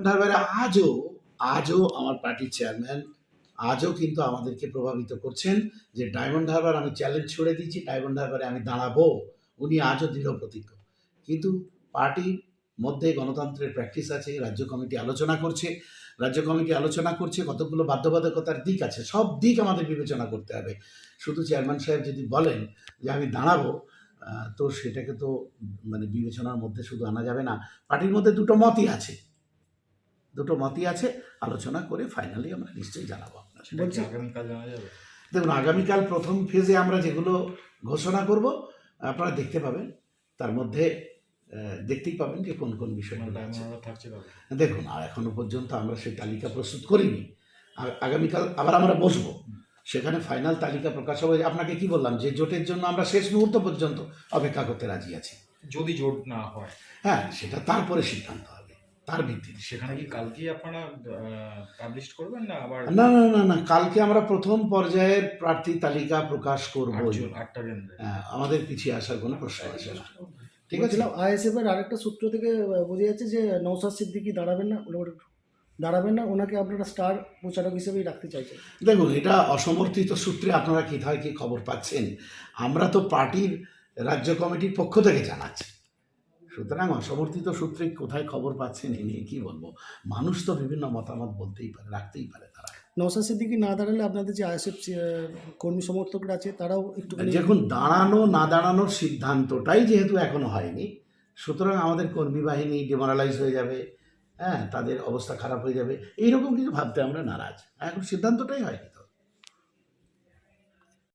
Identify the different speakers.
Speaker 1: Diamond হারবারে আজও আমার পার্টির চেয়ারম্যান আজও কিন্তু আমাদেরকে প্রভাবিত করছেন যে ডায়মন্ড হারবার আমি চ্যালেঞ্জ ছুড়ে দিয়েছি, ডায়মন্ড হারবারে আমি দাঁড়াবো। উনি আজও দৃঢ় প্রতিজ্ঞ। কিন্তু পার্টির মধ্যে গণতন্ত্রের প্র্যাকটিস আছে, রাজ্য কমিটি আলোচনা করছে, কতগুলো বাধ্যবাধকতার দিক আছে, সব দিক আমাদের বিবেচনা করতে হবে। শুধু চেয়ারম্যান সাহেব যদি বলেন যে আমি দাঁড়াবো, তো সেটাকে তো মানে বিবেচনার মধ্যে শুধু আনা যাবে না। পার্টির মধ্যে দুটো মতই আছে, আলোচনা করে ফাইনালি আমরা নিশ্চয়ই জানাবো আপনার।
Speaker 2: বলছি আগামীকাল জানা যাবে।
Speaker 1: দেখুন, আগামীকাল প্রথম ফেজে আমরা যেগুলো ঘোষণা করব আপনারা দেখতে পাবেন, তার মধ্যে দেখতেই পাবেন যে কোন কোন বিষয়গুলো আছে। দেখুন, আর এখনো পর্যন্ত আমরা সেই তালিকা প্রস্তুত করিনি। আগামীকাল আবার আমরা বসবো, সেখানে ফাইনাল তালিকা প্রকাশ হবে। আপনাকে কি বললাম যে জোটের জন্য আমরা শেষ মুহূর্ত পর্যন্ত অপেক্ষা করতে রাজি আছি।
Speaker 2: যদি জোট না হয়,
Speaker 1: হ্যাঁ, সেটা তারপরে সিদ্ধান্ত হবে, তার ভিত্তিতে।
Speaker 2: সেখানে কি কালকেই আপনারা পাবলিশ করবেন না আবার?
Speaker 1: না, কালকে আমরা প্রথম পর্যায়ের প্রার্থী তালিকা প্রকাশ করব। আমাদের পিছিয়ে আসার কোনো প্রশ্ন আসে না। ঠিক আছে।
Speaker 3: আইএসএফ এর আরেকটা সূত্র থেকে বোঝা যাচ্ছে যে নওশাদ সিদ্দিকী দাঁড়াবেন না, ওনাকে আপনারা স্টার প্রচারক হিসেবেই রাখতে চাইছেন।
Speaker 1: দেখুন, এটা অসমর্থিত সূত্রে আপনারা কোথায় কি খবর পাচ্ছেন? আমরা তো পার্টির রাজ্য কমিটির পক্ষ থেকে জানাচ্ছি, সুতরাং অসমর্থিত সূত্রে কোথায় খবর পাচ্ছেন এ নিয়ে কি বলবো। মানুষ তো বিভিন্ন মতামত বলতেই পারে, রাখতেই পারে। তারা
Speaker 3: নওশাদ সিদ্দিকী না দাঁড়ালে আপনাদের যে আইএসএফ কর্মী সমর্থকরা আছে তারাও একটু
Speaker 1: দেখুন, দাঁড়ানো না দাঁড়ানোর সিদ্ধান্তটাই যেহেতু এখনো হয়নি, সুতরাং আমাদের কর্মী বাহিনী ডিমোরালাইজ হয়ে যাবে, হ্যাঁ, তাদের অবস্থা খারাপ হয়ে যাবে, এইরকম কিছু ভাবতে আমরা নারাজ। এখন সিদ্ধান্তটাই হয়নি।